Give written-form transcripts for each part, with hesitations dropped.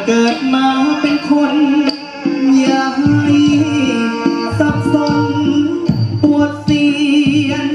กิดมาเป็นคนอย่าให้สับสนปวดเสียน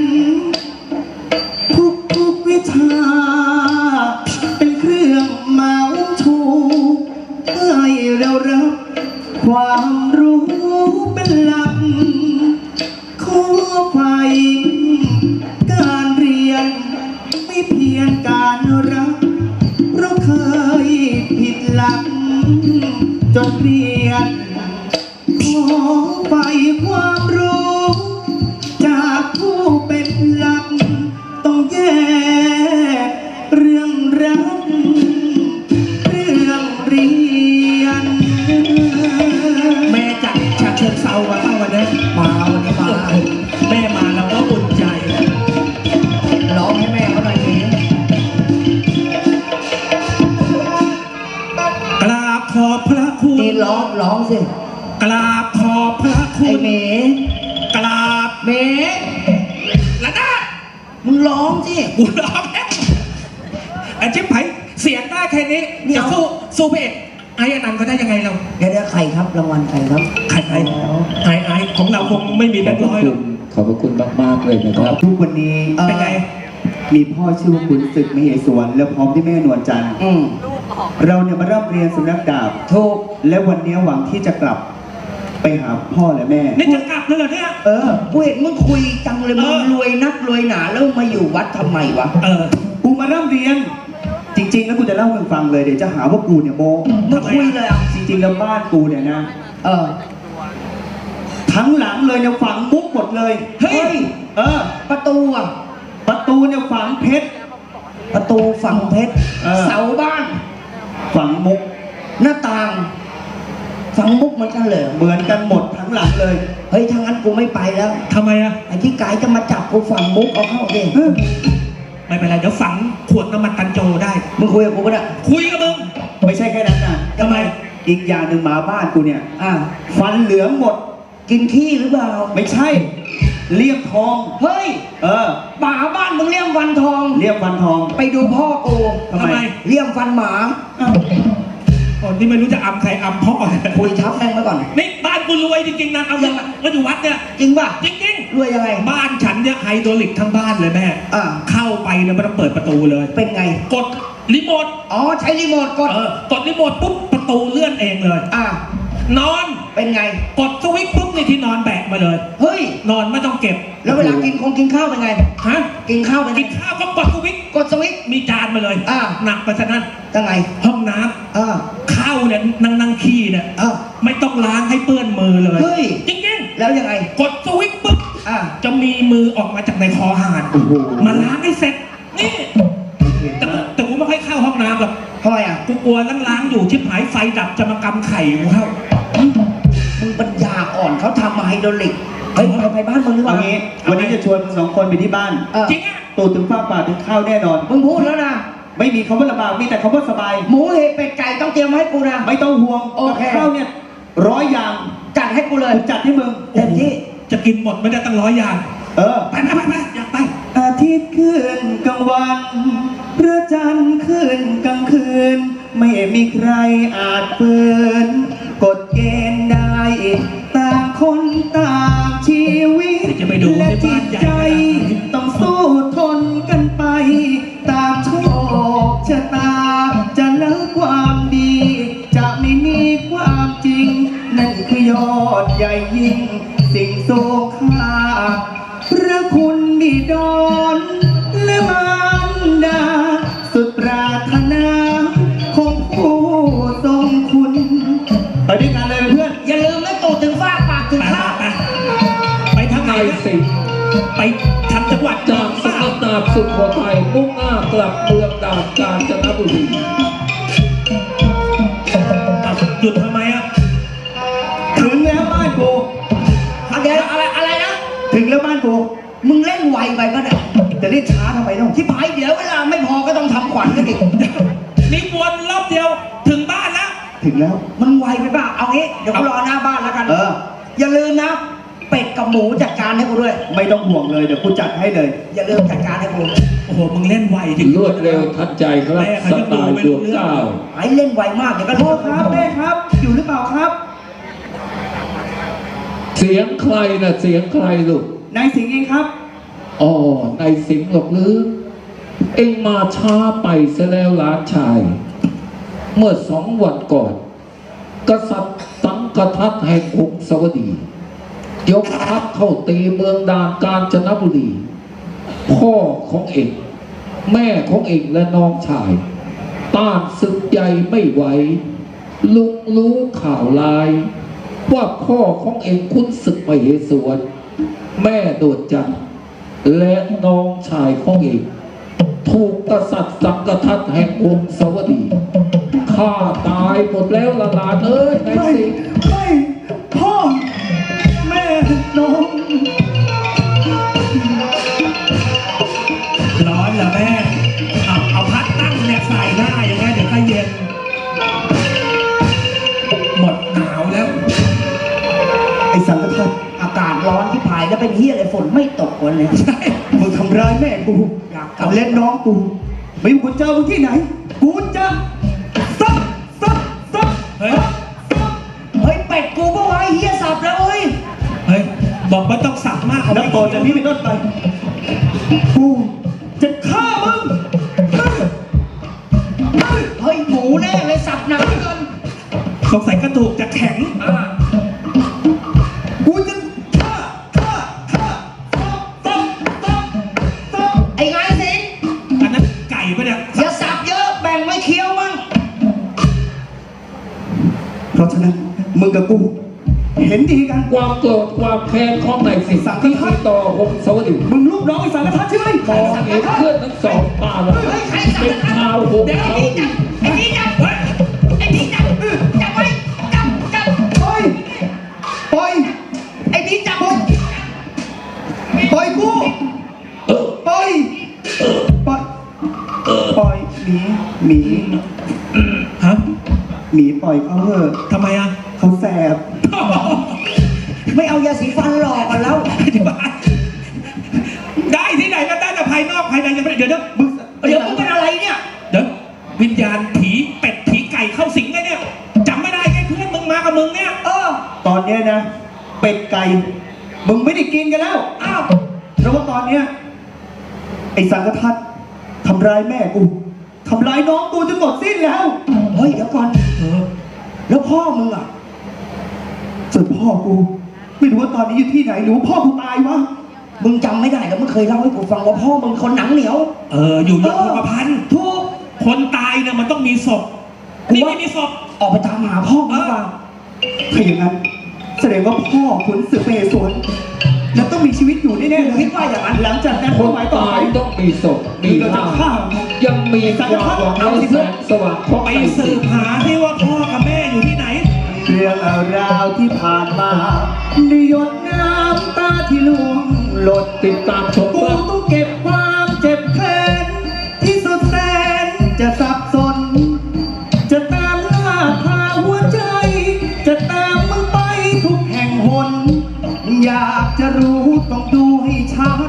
ทุกวิชาเป็นเครื่องเมาถูกให้เรารับความรู้เป็นหลักขอไฟการเรียนไม่เพียงการรักเพราะเคยผิดหลักจนเรียนขอไฟความรู้จากผู้เป็นหลักต้องแยกเรื่องรักเรื่องเรียนแม่จากฉะเชิงเทรามาเข้าวันนี้มาวันนี้มาแม่มาแล้วก็อุ่นใจร้องให้แม่เขาหน่อยสิกราบขอบพระคุณนี่ร้องสิกราบขอบพระคุณไอ้เมย์กราบเมย์ละนามึงร้องสิกูร้องแค่ไอ้จิ๊บไผ่เสียงได้แค่นี้จะสู้เพจไอ้อนันต์ก็ได้ยังไงเราเดี๋ยวใครครับรางวัลใครครับไอ้ของเราคงไม่มีแบงค์ร้อยหรอกขอบพระคุณมากๆเลยนะครับทุกวันนี้เป็นไงมีพ่อชื่อว่าคุณศึกมเหสวนแล้วพร้อมที่แม่นวลจันทร์เราเนี่ยมาเริ่มเรียนสำนักดาบถูกและวันนี้หวังที่จะกลับไปหาพ่อและแม่นี่จะกลับแล้วเหรอเนี่ยกูเห็นมึงคุยจังเลยมึงรวยนักรวยหนาแล้วมาอยู่วัดทำไมวะกูมาเริ่มเรียนจริงๆแล้วกูจะเล่าให้ฟังเลยเดี๋ยวจะหาว่ากูเนี่ยโม้มึงคุยเลยอ่ะจริงๆแล้วบ้านกูเนี่ยนะทั้งหลังเลยเนี่ยฝังมุกหมดเลยเฮ้ยประตูเนี่ยฝังเพชรประตูฝังเพชรเสาบ้านฝังมุกหน้าต่างฝังมุกเหมือนกันเลยเหมือนกันหมดทั้งหลังเลยเฮ้ยทางนั้นกูไม่ไปแล้วทำไมอ่ะไอ้ที่ไกด์จะมาจับกูฝังมุกเอาเข้าเองไม่เป็นไรเดี๋ยวฝังขวดน้ำมันตันโจได้มึงคุยกับกูปะเนี่ยคุยกับมึงไม่ใช่แค่นั้นนะทำไมอีกอย่างหนึ่งหมาบ้านกูเนี่ยฟันเหลืองหมดกินขี้หรือเปล่าไม่ใช่เลี่ยมทองเฮ้ยหมาบ้านมึงเลี่ยมฟันทองเลี่ยมฟันทองไปดูพ่อกูทำไมเลี่ยมฟันหมาก่อนที่ไม่รู้จะอำใครอำพ่อคุยทับแม่งมาก่อนนี่บ้านกูรวยจริงๆนะเอาอย่างมาอยู่วัดเนี่ยจริงป่ะจริงรวยยังไงบ้านฉันเนี่ยไฮโดรลิกทั้งบ้านเลยแม่เข้าไปเนี่ยไม่ต้องเปิดประตูเลยเป็นไงกดรีโมทใช้รีโมทกดรีโมทปุ๊บประตูเลื่อนเองเลยนอนเป็นไงกดสวิตช์ปุ๊บนี่ที่นอนแบกมาเลยเฮ้ยนอนไม่ต้องเก็บแล้วเวลากินข้าวเป็นไงฮะกินข้าวเป็นไงกินข้าวก็กดสวิตช์มีจานมาเลยหนักไปซะนั่นยังไงห้องน้ำข้าวเนี่ยนั่งขี้เนี่ยไม่ต้องล้างให้เปื้อนมือเลยเฮ้ยจริงๆแล้วยังไงกดสวิตช์ปุ๊บจะมีมือออกมาจากในคอห่านมาล้างให้เสร็จนี่แต่กูไม่ค่อยเข้าห้องน้ำหรอกทำไมกูกลัวล้างอยู่ชิบหายไฟดับจะมากำไข่กูเข้ามึงปัญญาอ่อนเขาทำมาไฮโดรลิกเฮ้ยไปบ้านมึงหรือเปล่างี้วันนี้จะชวนสองคนไปที่บ้านจริงอ่ะตูดถึงฟ้าป่าถึงข้าวแน่นอนมึงพูดแล้วนะไม่มีคำว่าลำบากมีแต่คำว่าสบายหมูเห็ดเป็ดไก่ต้องเตรียมให้กูนะไม่ต้องห่วงโอเคข้าวเนี่ย100 อย่างจัดให้กูเลยจัดให้มึงเต็มที่จะกินหมดไม่ได้ตั้ง100 อย่างไปอยากไปอาทิตย์ขึ้นกลางวันพระจันทร์ขึ้นกลางคืนไม่มีใครอาจเปิดกฎเกณฑ์ได้ต่างคนต่างชีวิตและจิตใจต้องสู้ทนกันไปตามโชคชะตาจะเลิกความดีจะไม่มีความจริงนั่นคือยอดใหญ่ยิ่งสิ่งทรงค่าพระคุณบิดรและมารดาสุดปรารถนาของผู้ทรงคุณไปด้วยกันเลยเพื่อนอย่าลืมนะตูดถึงฟ้าปากถึงข้าไปทางไหนไปทางจังหวัดจากสำนักดาบสุโขทัยมุ่งหน้ากลับเมืองดาบกาญจนบุรีหยุดทำไมถึงแล้วบ้านกูอะไรนะถึงแล้วบ้านกูมึงเล่นไวไปปะเนี่ยจะเล่นช้าทำไมต้องที่พายเดี๋ยวเวลาไม่พอก็ต้องทำขวัญกันอีกนี่วนรอบเดียวถึงบ้านแล้วถึงแล้วมันไวไปป่ะเอางี้เดี๋ยวกูรอหน้าบ้านแล้วกันอย่าลืมนะเป็ดกับหมูจัดการให้กูด้วยไม่ต้องห่วงเลยเดี๋ยวกูจัดให้เลยอย่าลืมจัดการให้กูโอ้หมึงเล่นไวจริงรวดเร็วทันใจครับสไตล์ดวงเก้าไอ้เล่นไวมากเดี๋ยวก็พ่อครับแม่ครับ อยู่หรือเปล่าครับเสียงใครนะเสียงใครลูกนายสิงห์เองครับอ๋อในสิงห์หรอกหรือเอ็งมาช้าไปซะแล้วหลานชาย เมื่อ2 วันก่อน กษัตริย์สังกทัตแห่งกรุงสวัสดี ยกทัพเข้าตีเมืองดานกาญจนบุรี พ่อของเองแม่ของเองและน้องชาย ต้านศึกใหญ่ไม่ไหวลุงรู้ข่าวลาย ว่าพ่อของเองคุ้นศึกมเหสวน แม่โดดจันทร์และน้องชายของเองถูกกษัตริย์สังกทัตแห่งกรุงสวัสดีฆ่าตายหมดแล้วละหลานเอ้ยนายสิงห์ไม่พ่อ แม่น้องร้อนเหรอแม่เอาพัดตั้งเนี่ยใส่หน้าอย่างเงี้ยเดี๋ยวก็เย็น หมดหนาวแล้วไอ้สังกทัตอากาศร้อนที่ผายแล้วเป็นเฮียอะไรฝนไม่ตกวันเลยมึงทำร้ายแม่กูอยากกลับทำเล่นน้องกู ไม่ว่ากูเจอมึงที่ไหน กูจะซับเฮ้ยเฮ้ยเป็ดกูปะวะไอ้เฮียสับแล้วเฮ้ยเฮ้ย บอกว่าต้องสับมากเอานับต่อจากนี้เป็นต้นไป กูจะฆ่ามึงเฮ้ยหมูแน่เลยสับหนักเหลือเกินสงสัยกระดูกจะแข็งกูจะฆ่าซับไอ้ไงสิงอันนั้นไก่ปะเนี่ยอย่าสับเยอะแบ่งไว้เคี้ยวมั่งเพราะฉะนั้นมึงกับกู เห็นดีกันความโกรธความแค้นของนายสิงห์ที่มีต่อกรุงสวัสดีมึงลูกน้องไอ้สังกทัตใช่ไหมมองเห็นเพื่อนทั้งสองตาแล้วเป็นชาวกรุงเดี๋ยวสวัสดีไอ้นี่จับเฮ้ยไอ้นี่จับจับไว้จับปล่อยปล่อยไอ้นี่จับปล่อยกูปล่อยปล่อยปล่อยหมีฮะหมีปล่อยเขาเถอะทำไมอ่ะเขาแสบไม่เอายาสีฟันหลอกกันแล้วได้ที่ไหนก็ได้แต่ภายนอกภายในยังไม่ได้เดี๋ยวมึงเดี๋ยวมึงเป็นอะไรเนี่ยเดี๋ยววิญญาณผีเป็ดผีไก่เข้าสิงไงเนี่ยจำไม่ได้ไงเพื่อนมึงมากับมึงเนี่ยตอนเนี้ยนะ เป็ดไก่ มึงไม่ได้กินกันแล้วอ้าวเพราะว่าตอนเนี้ยไอ้สังกทัตทำร้ายแม่กูทำร้ายน้องกูจนหมดสิ้นแล้วเฮ้ยเดี๋ยวก่อนเออแล้วพ่อมึงอ่ะส่วนพ่อกู ไม่รู้ว่าตอนนี้อยู่ที่ไหนหรือว่าพ่อกูตายวะมึงจำไม่ได้แล้วมึงเคยเล่าให้กูฟังว่าพ่อมึงคนหนังเหนียวอยู่ยงคงกระพันถูกคนตายเนี่ยมันต้องมีศพกูนี่ว่าไม่มีศพออกไปตามหาพ่อมึงดีกว่าถ้าอย่างนั้น แสดงว่าพ่อขุนศึกมเหสวนแล้วต้องมีชีวิตอยู่แน่ๆเลยคิดว่าอย่างนั้นหลังจากนั้นคนหมายต่อตาไปยต้องมีศพมีร่างยังมีความหวังและแสงสว่างของไปนายสืสิงบห์หาที่ว่าพ่อกับแม่อยู่ที่ไหนเรื่องราวที่ผ่านมาในหยดน้ำตาที่ล่วงหล่นติดตามชมกูครับต้องเก็บความเจ็บแค้นที่สุดแสนจะสับสน จะตามล่าพาหัวใจ จะตามมึงไปทุกแห่งหน อยากจะรู้ต้องดูให้ชัด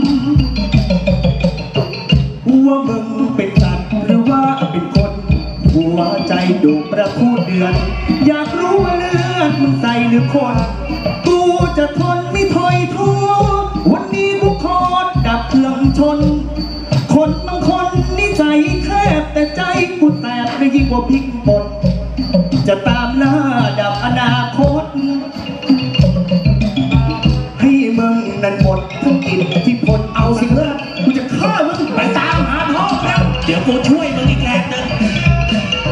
ว่ามึงเป็นสัตว์หรือว่าเป็นคน หัวใจดุประคูเดือน อยากรู้ว่าเลือดมึงใส่หรือคน กูจะทนไม่ถอยท้อวันนี้กูขอดับเครื่องชน คนบางคนนิสัยแคบแต่ใจกูแสบไม่ยิ่งกว่าพริกป่นจะตามล่าดับอนาคต ให้มึงนั้นหมดทั้งอิทธิพลเอาสิเพื่อนกูจะฆ่ามึงไปตามหาพ่อแล้ว เดี๋ยวกูช่วย